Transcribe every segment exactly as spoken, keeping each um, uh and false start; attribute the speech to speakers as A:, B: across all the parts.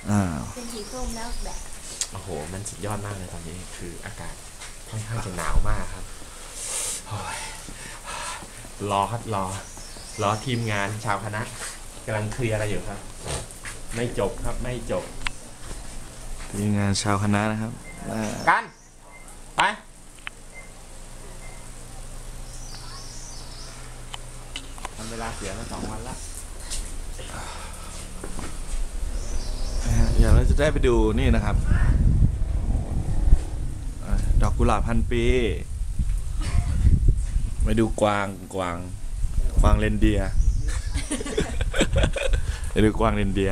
A: เป็นสีส้มแล้วแบบ
B: โอ้โหมันสุดยอดมากเลยตอนนี้คืออากาศค่อนข้างจะหนาวมากครับรอครับรอรอทีมงานชาวคณะกำลังเคลียร์อะไรอยู่ครับไม่จบครับไม่จบ
C: ทีมงานชาวคณะนะครับ
B: กันไปทำเวลาเสียมาสองวันละ
C: อย่างเราจะได้ไปดูนี่นะครับดอกกุหลาบพันปีไปดูกวางกวางกวางเรนเดียร์ไปดูกวางเรนเดียร์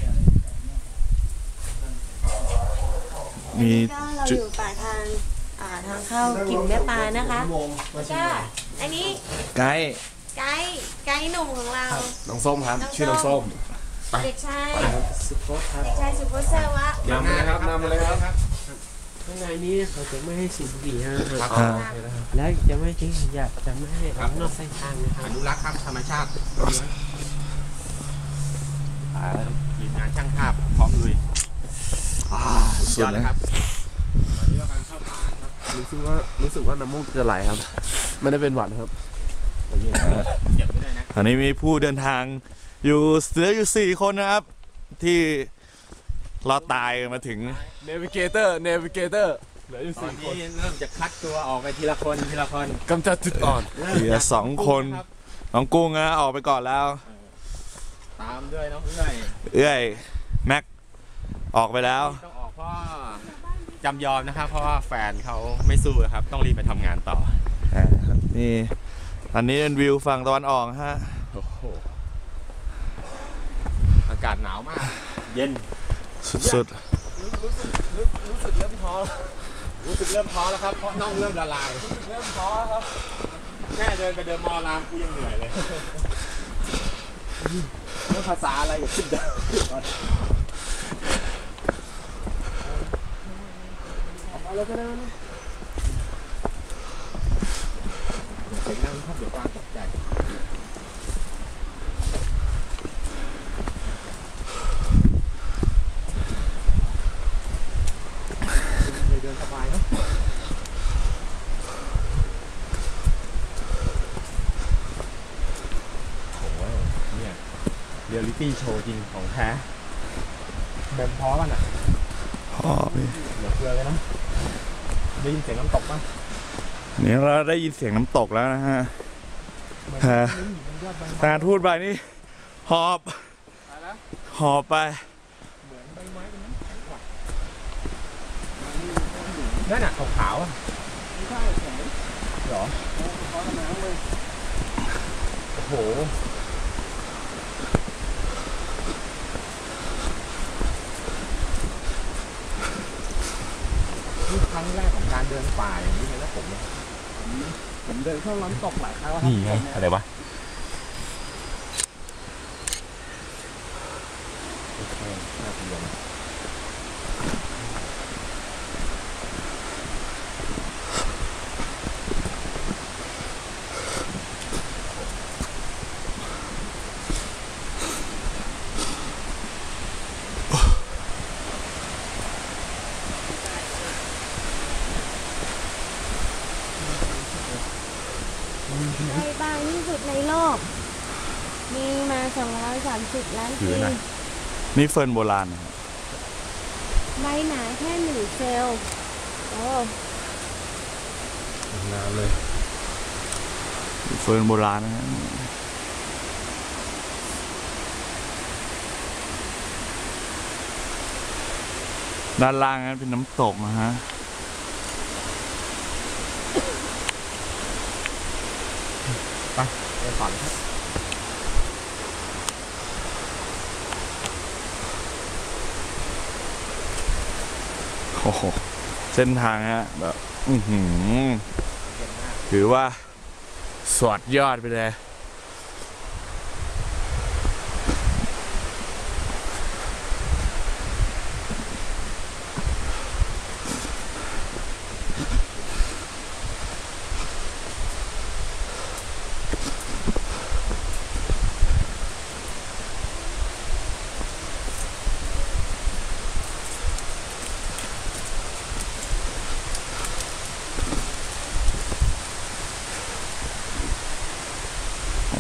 A: มีเราอยู่ปากทางทางเข้ากิ่งแม่ปลานะคะก็อันนี้
C: ไกด์
A: ไกด์ไกด์หนุ่มของเรา
B: น้องส้มครับชื่อน้องส้ม
A: เด็กชายสุโขทัยเด็กชายสุโขทัยวะ
B: นำเลยครับนำเลยครับ
D: ข้างในนี้เขาจะไม่ให้สูบบุหรี่นะครับและจะไม่ทิ้งขยะจะไม่ให้ออกนอกเส้นทางนะครับ
B: อนุรักษ์ครับธรรมชาติทีมงานช่างภาพพร้อมลุยสุดเลยครับ
D: รู้สึกว่ารู้สึกว่าน้ำมูกจะไหลครับไม่ได้เป็นหวัดครับ
C: ตอนนี้มีผู้เดินทางอยู่เหลืออยู่สี่คนนะครับที่เราตายมาถึง
D: Navigator Navigator เหลืออยู่สี่คน
B: เริ่มจะคัดตัวออกไปทีละคนทีละคน
D: กำจัดจุดอ่อน
C: เหลือสองคนน้องกุ้งนะออกไปก่อนแล้ว
B: ตามด้วยน้องเอื้อย
C: เอื้อยแม็กออกไปแล้ว
B: ต้องออกเพราะจำยอมนะครับเพราะว่าแฟนเขาไม่สู้ครับต้องรีบไปทำงานต่อ
C: นี่อันนี้เป็นวิวฝั่งตะวันออกฮะ
B: อากาศหนาวมากเย็น
C: สุด
B: ๆรู้สึกรู้สึกเริ่มท้อรู้สึกเริ่มท้อแล้วครับเพราะน่องเริ่มละลายรู้สึกเริ่มท้อครับแค่เดินไปเดินมอรามกูยังเหนื่อยเลยเรื่องภาษาอะไรอย่าคิดเดินเอาแล้วก็ได้นะเสียงดังครับเดี๋ยวกวางตกใจเดินสบายเนาะโอ้ยเนี่ยเรียลลิตี้โชว์จริงของแท้เดินพอป่ะน่ะ
C: พอพี่
B: เดี๋ยวเกลือเลยนะได้ยินเสียงน้ำตกป่ะ
C: นี่เราได้ยินเสียงน้ำตกแล้วนะฮะตาทูดใบนี่หอบหอบไป
B: นั่นน่ะขาวๆอ่ะไม่ใช่แข็งหรอเขาทำน้ำเลยโอ้โหนี่ครั้งแรกของการเดินป่าอย่างนี้เลยนะผมเนี่ยผมเดินเข้าน้ำตกหลายครั้งแล้วนี่ไงอะไรวะโอเคน่าสนใจ
A: ใบ บางที่สุดในโลกมีมาสองร้อยสามสิบล้านปี
C: นี่เฟิร์นโบราณนะ
A: ใบหนาแค่หนึ่งเซลล์โอ้
B: นานเลย
C: เฟิร์นโบราณนะฮะด้านล่างนั้นเป็นน้ำตกนะฮะ
B: ไปไปก่อนครับ
C: โอ้โหเส้นทางฮะแบบอื้อหือถือว่าสวดยอดไปเลย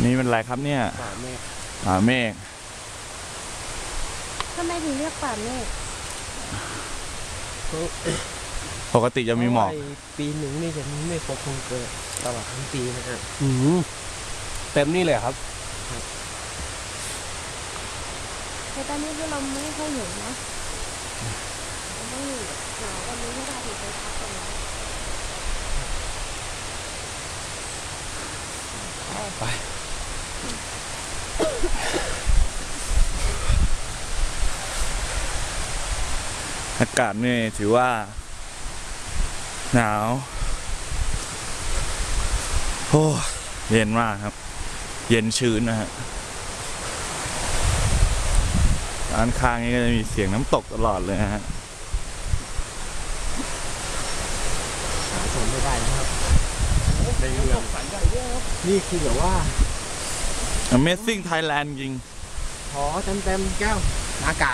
C: นี่เป็นอะไรครับเนี่ย
D: ป่าเมฆ
C: ป่าเมฆ
A: ทำไมถึงเรียกป่าเมฆ
C: ปกติจะมีหมอก
D: เพราะว่าปีหนึ่งนี่จะมีเมฆปกคลุมเกิดตลอดทั้งปีนะฮะ
B: อืมเต็มนี่เลยครับ
A: แต่ตอนนี้คือเราไม่ค่อยเห็นนะเราต้องอยู่หนาววันนี้ไม่ได้ถึงไปพักกันแล้ว
C: ไปอากาศนี่ถือว่า หนาวโอ้เย็นมากครับ เย็นชื้นนะฮะด้านข้างนี้ก็จะมีเสียงน้ำตกตลอดเลยนะฮะ
D: หาชมไม่ได้นะครับ
B: ในเมือง
D: นี่คือแบบว่า
C: Amazing Thailand จริง
D: ขอเต็มเต็มๆแก้ว
B: อากาศ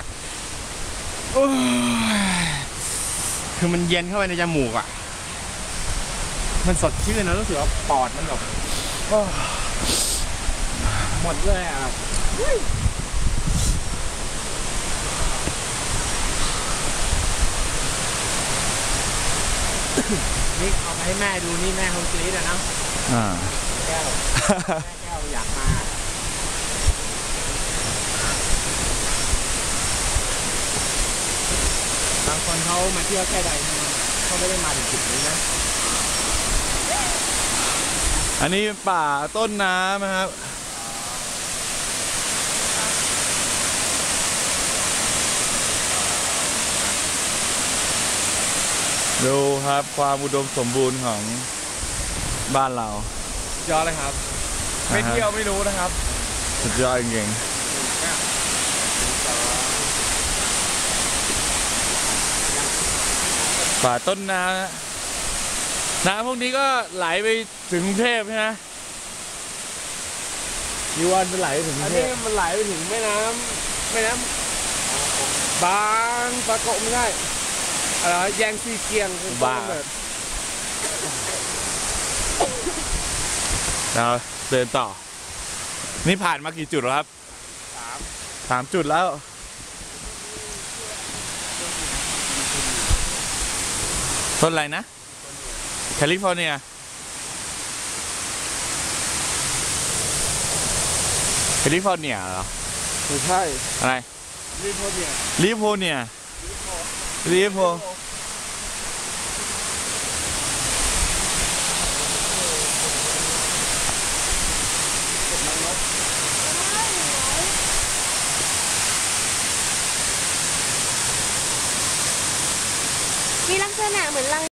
B: คือมันเย็นเข้าไปในจมูกอ่ะ มันสดชื่นนะรู้สึกว่าปอดมันแบบโอ้หมดเลยอ่ะ นี่เอาไปให้แม่ดูนี่แม่คงกรี๊ดอะนะ
C: อ่า
B: แก้ว แม่แก้วอยากมา บางคนเขามาเที่ยวแค่ใดเขาไม่ได้มาถึงจุดนี้นะ
C: อันนี้ป่าต้นน้ำนะครับ ดูครับความอุดมสมบูรณ์ของบ้านเรา
B: ยอดเลยครับ ไม่เที่ยวไม่รู้นะครับ
C: สุดยอดจริงๆป่าต้นน้ำนะน้ำพวกนี้ก็ไหลไปถึงกรุงเทพใช่ไหมมีวันเป็นไหลไปถึงก
B: อั
C: รุ
B: น
C: งเท
B: นี้
C: พ
B: มันไหลไปถึงแม่น้ำแม่น้ำบางปะกงไม่ใช่อะไรวะแยงซีเกียงคือต้นกำเนิด
C: เราเดินต่อ นี่ผ่านมากี่จุดแล้วครับ
B: สาม
C: สามจุดแล้ว ต้นอะไรนะ แคลิฟอร์เนีย แคลิฟอร์เนียเหรอ
B: ไม่ใช่
C: อะไร
B: รีโพเนีย
C: ลิโพเนียลิโพ
A: มีลักษณะเหมือนรัง